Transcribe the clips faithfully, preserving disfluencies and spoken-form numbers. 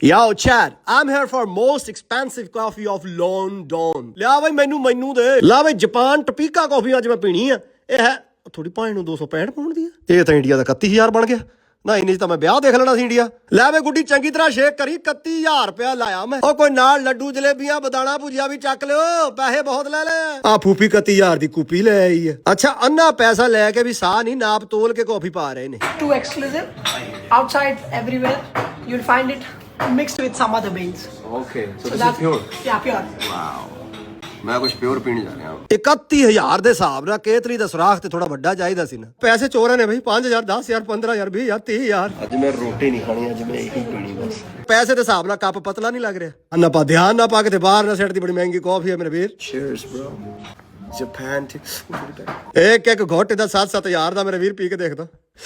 Yo, Chad, I'm here for most expensive coffee of London. ਲਿਆ ਬਈ ਮੈਨੂੰ ਮੈਨੂੰ ਦੇ ਲਾ ਬਈ ਜਾਪਾਨ ਟਪੀਕਾ ਕਾਫੀ ਅੱਜ ਮੈਂ ਪੀਣੀ ਆ। ਇਹ ਹੈ ਥੋੜੀ ਭਾਵੇਂ ਨੂੰ ਦੋ ਸੌ ਪੈਂਹਠ ਪਾਉਣ ਦੀ ਆ। ਇਹ ਤਾਂ ਇੰਡੀਆ ਦਾ ਇਕੱਤੀ ਹਜ਼ਾਰ ਬਣ ਗਿਆ ਨਾ। ਇੰਨੇ ਚ ਤਾਂ ਮੈਂ ਵਿਆਹ ਦੇਖ ਲੈਣਾ ਸੀ ਇੰਡੀਆ। ਲੈ ਵੇ ਗੁੱਡੀ ਚੰਗੀ ਤਰ੍ਹਾਂ ਸ਼ੇਕ ਕਰੀ। ਇਕੱਤੀ ਹਜ਼ਾਰ ਰੁਪਇਆ ਲਾਇਆ ਮੈਂ। ਉਹ ਕੋਈ ਨਾਲ ਲੱਡੂ ਜਲੇਬੀਆਂ ਬਦਾਣਾ ਭੁਜੀਆ ਵੀ ਚੱਕ ਲਿਓ। ਪੈਸੇ ਬਹੁਤ ਲੈ ਲੈ। ਆ ਫੂਫੀ ਇਕੱਤੀ ਹਜ਼ਾਰ ਦੀ ਕੂਪੀ ਲੈ ਆਈ ਆ। ਅੱਛਾ ਅੰਨਾ ਪੈਸਾ ਲੈ ਕੇ ਵੀ ਸਾਹ ਨਹੀਂ ਨਾਪ ਤੋਲ ਕੇ ਕਾਫੀ ਪਾ ਰਹੇ ਨੇ। Too exclusive. Outside everywhere you'll find it mixed with some other beans. Okay, so, So this that's is pure. Yeah, pure. Wow. ਮੈਂ ਕੁਝ ਪਿਓਰ ਪੀਣ ਜਾ ਰਿਹਾ ਹਾਂ। ਇਕੱਤੀ ਹਜ਼ਾਰ ਦੇ ਹਿਸਾਬ ਨਾਲ ਕੇਤਰੀ ਦਾ ਸੁਰਾਖ ਤੇ ਥੋੜਾ ਵੱਡਾ ਚਾਹੀਦਾ ਸੀ ਨਾ। ਪੈਸੇ ਚੋਰਾਂ ਨੇ ਬਈ ਪੰਜ ਹਜ਼ਾਰ ਦਸ ਹਜ਼ਾਰ ਪੰਦਰਾਂ ਹਜ਼ਾਰ ਵੀਹ ਹਜ਼ਾਰ ਤੀਹ ਹਜ਼ਾਰ। ਅੱਜ ਮੈਂ ਰੋਟੀ ਨਹੀਂ ਖਾਣੀ, ਅੱਜ ਮੈਂ ਇਹੀ ਪੀਣੀ ਬਸ। ਪੈਸੇ ਦੇ ਹਿਸਾਬ ਨਾਲ ਕੱਪ ਪਤਲਾ ਨਹੀਂ ਲੱਗ ਰਿਹਾ। ਅੰਨਾ ਪਾ ਧਿਆਨ ਨਾ ਪਾ ਕੇ ਤੇ ਬਾਹਰ ਨਾ ਸਿੱਟ ਦੀ ਬੜੀ ਮਹਿੰਗੀ ਕਾਫੀ ਹੈ ਮੇਰੇ ਵੀਰ। Cheers bro. Japan to ਇੱਕ ਇੱਕ ਘੋਟੇ ਦਾ ਸੱਤ ਸੱਤ ਹਜ਼ਾਰ ਦਾ ਮੇਰੇ ਵੀਰ ਪੀ ਕੇ ਦੇਖਦਾ।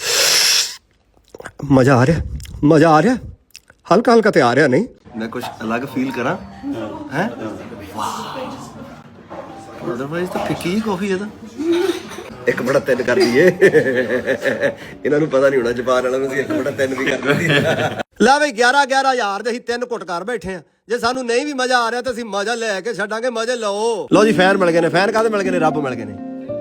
ਮਜ਼ਾ ਆ ਰਿਹਾ ਮਜ਼ਾ ਆ ਰਿਹਾ ਹਲਕਾ ਹਲਕਾ ਤੇ ਆ ਰਿਹਾ ਨਹੀਂ। ਮੈਂ ਕੁਝ ਅਲੱਗ ਫੀਲ ਕਰਾਂ ਹੈ। ਵਾਹ ਅਦਰਵਾਈਜ਼ ਤਾਂ ਫਿੱਕੀ ਕਾਫੀ ਹੈ ਤਾਂ। ਇੱਕ ਬੜਾ ਤਿੰਨ ਕਰ ਦਈਏ। ਇਹਨਾਂ ਨੂੰ ਪਤਾ ਨਹੀਂ ਹੋਣਾ ਜਾਪਾਨ ਵਾਲਿਆਂ ਨੂੰ ਅਸੀਂ ਇੱਕ ਬੜਾ ਤਿੰਨ ਵੀ ਕਰ ਦਈਏ। ਲੈ ਬਈ ਗਿਆਰਾਂ ਗਿਆਰਾਂ ਹਜ਼ਾਰ ਦੇ ਅਸੀਂ ਤਿੰਨ ਘੁੱਟ ਕਰ ਬੈਠੇ ਆ। ਜੇ ਸਾਨੂੰ ਨਹੀਂ ਵੀ ਮਜ਼ਾ ਆ ਰਿਹਾ ਤਾਂ ਅਸੀਂ ਮਜ਼ਾ ਲੈ ਕੇ ਛੱਡਾਂਗੇ। ਮਜ਼ੇ ਲਓ। ਲਓ ਜੀ ਫੈਨ ਮਿਲ ਗਏ ਨੇ। ਫੈਨ ਕਾਹਦੇ ਮਿਲ ਗਏ ਨੇ? ਰੱਬ ਮਿਲ ਗਏ ਨੇ।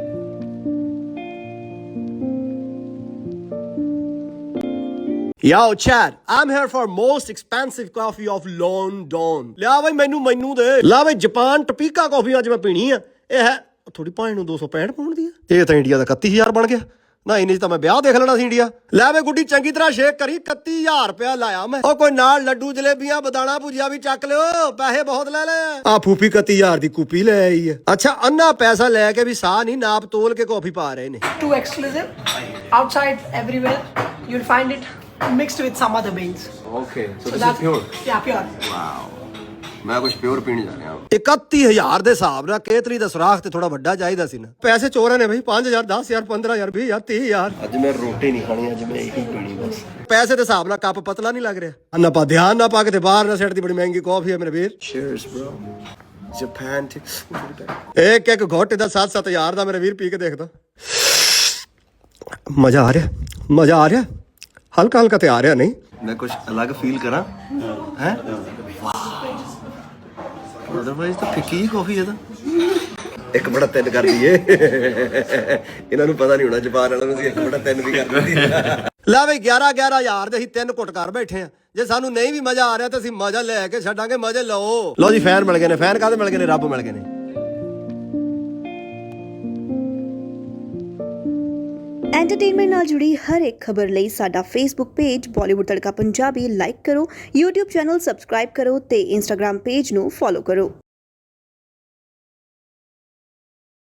Yo, Chad, I'm here for most expensive coffee of London. ਲਿਆ ਬਈ ਮੈਨੂੰ ਮੈਨੂੰ ਦੇ ਲਾ ਬਈ ਜਾਪਾਨ ਟਪੀਕਾ ਕਾਫੀ ਅੱਜ ਮੈਂ ਪੀਣੀ ਆ। ਇਹ ਹੈ ਥੋੜੀ ਭਾਵੇਂ ਨੂੰ ਦੋ ਸੌ ਪੈਂਹਠ ਪਾਉਣ ਦੀ ਆ। ਇਹ ਤਾਂ ਇੰਡੀਆ ਦਾ ਇਕੱਤੀ ਹਜ਼ਾਰ ਬਣ ਗਿਆ ਨਾ। ਇੰਨੇ ਚ ਤਾਂ ਮੈਂ ਵਿਆਹ ਦੇਖ ਲੈਣਾ ਸੀ ਇੰਡੀਆ। ਲੈ ਵੇ ਗੁੱਡੀ ਚੰਗੀ ਤਰ੍ਹਾਂ ਸ਼ੇਕ ਕਰੀ। ਇਕੱਤੀ ਹਜ਼ਾਰ ਰੁਪਇਆ ਲਾਇਆ ਮੈਂ। ਉਹ ਕੋਈ ਨਾਲ ਲੱਡੂ ਜਲੇਬੀਆਂ ਬਦਾਣਾ ਭੁਜੀਆ ਵੀ ਚੱਕ ਲਿਓ। ਪੈਸੇ ਬਹੁਤ ਲੈ ਲੈ। ਆ ਫੂਫੀ ਇਕੱਤੀ ਹਜ਼ਾਰ ਦੀ ਕੂਪੀ ਲੈ ਆਈ ਆ। ਅੱਛਾ ਅੰਨਾ ਪੈਸਾ ਲੈ ਕੇ ਵੀ ਸਾਹ ਨਹੀਂ ਨਾਪ ਤੋਲ ਕੇ ਕਾਫੀ ਪਾ ਰਹੇ ਨੇ। Too exclusive. Outside everywhere you'll find it mixed with some other beans. Okay, so, So this is that's pure. Yeah, pure. Wow. ਮੈਂ ਕੁਝ ਪਿਓਰ ਪੀਣ ਜਾ ਰਿਹਾ ਹਾਂ। ਇਕੱਤੀ ਹਜ਼ਾਰ ਦੇ ਹਿਸਾਬ ਨਾਲ ਕੇਤਰੀ ਦਾ ਸੁਰਾਖ ਤੇ ਥੋੜਾ ਵੱਡਾ ਚਾਹੀਦਾ ਸੀ ਨਾ। ਪੈਸੇ ਚੋਰਾਂ ਨੇ ਬਈ ਪੰਜ ਹਜ਼ਾਰ ਦਸ ਹਜ਼ਾਰ ਪੰਦਰਾਂ ਹਜ਼ਾਰ ਵੀਹ ਹਜ਼ਾਰ ਤੀਹ ਹਜ਼ਾਰ। ਅੱਜ ਮੈਂ ਰੋਟੀ ਨਹੀਂ ਖਾਣੀ, ਅੱਜ ਮੈਂ ਇਹੀ ਪੀਣੀ ਬਸ। ਪੈਸੇ ਦੇ ਹਿਸਾਬ ਨਾਲ ਕੱਪ ਪਤਲਾ ਨਹੀਂ ਲੱਗ ਰਿਹਾ। ਅੰਨਾ ਪਾ ਧਿਆਨ ਨਾ ਪਾ ਕੇ ਤੇ ਬਾਹਰ ਨਾ ਸਿੱਟ ਦੀ ਬੜੀ ਮਹਿੰਗੀ ਕਾਫੀ ਹੈ ਮੇਰੇ ਵੀਰ। Cheers bro. Japan to ਇੱਕ ਇੱਕ ਘੋਟੇ ਦਾ ਸੱਤ ਸੱਤ ਹਜ਼ਾਰ ਦਾ ਮੇਰੇ ਵੀਰ ਪੀ ਕੇ ਦੇਖਦਾ। ਮਜ਼ਾ ਆ ਰਿਹਾ ਮਜ਼ਾ ਆ ਰਿਹਾ ਹਲਕਾ ਹਲਕਾ ਤੇ ਆ ਰਿਹਾ ਨਹੀਂ। ਮੈਂ ਕੁਝ ਅਲੱਗ ਫੀਲ ਕਰਾਂ ਹੈ। ਵਾਹ ਅਦਰਵਾਈਜ਼ ਤਾਂ ਫਿੱਕੀ ਕਾਫੀ ਹੈ ਤਾਂ। ਇੱਕ ਬੜਾ ਤਿੰਨ ਕਰ ਦਈਏ। ਇਹਨਾਂ ਨੂੰ ਪਤਾ ਨਹੀਂ ਹੋਣਾ ਜਾਪਾਨ ਵਾਲਿਆਂ ਨੂੰ ਅਸੀਂ ਇੱਕ ਬੜਾ ਤਿੰਨ ਵੀ ਕਰ ਦਈਏ। ਲੈ ਬਈ ਗਿਆਰਾਂ ਗਿਆਰਾਂ ਹਜ਼ਾਰ ਦੇ ਅਸੀਂ ਤਿੰਨ ਘੁੱਟ ਕਰ ਬੈਠੇ ਆ। ਜੇ ਸਾਨੂੰ ਨਹੀਂ ਵੀ ਮਜ਼ਾ ਆ ਰਿਹਾ ਤਾਂ ਅਸੀਂ ਮਜ਼ਾ ਲੈ ਕੇ ਛੱਡਾਂਗੇ। ਮਜ਼ੇ ਲਓ। ਲਓ ਜੀ ਫੈਨ ਮਿਲ ਗਏ ਨੇ। ਫੈਨ ਕਾਹਦੇ ਮਿਲ ਗਏ ਨੇ? ਰੱਬ ਮਿਲ ਗਏ ਨੇ। ਐਂਟਰਟੇਨਮੈਂਟ ਨਾਲ ਜੁੜੀ ਹਰ ਇੱਕ ਖਬਰ ਲਈ ਸਾਡਾ Facebook page Bollywood Tadka Punjabi like ਕਰੋ, YouTube ਚੈਨਲ ਸਬਸਕ੍ਰਾਈਬ ਕਰੋ ਤੇ Instagram ਪੇਜ ਨੂੰ ਫੋਲੋ ਕਰੋ।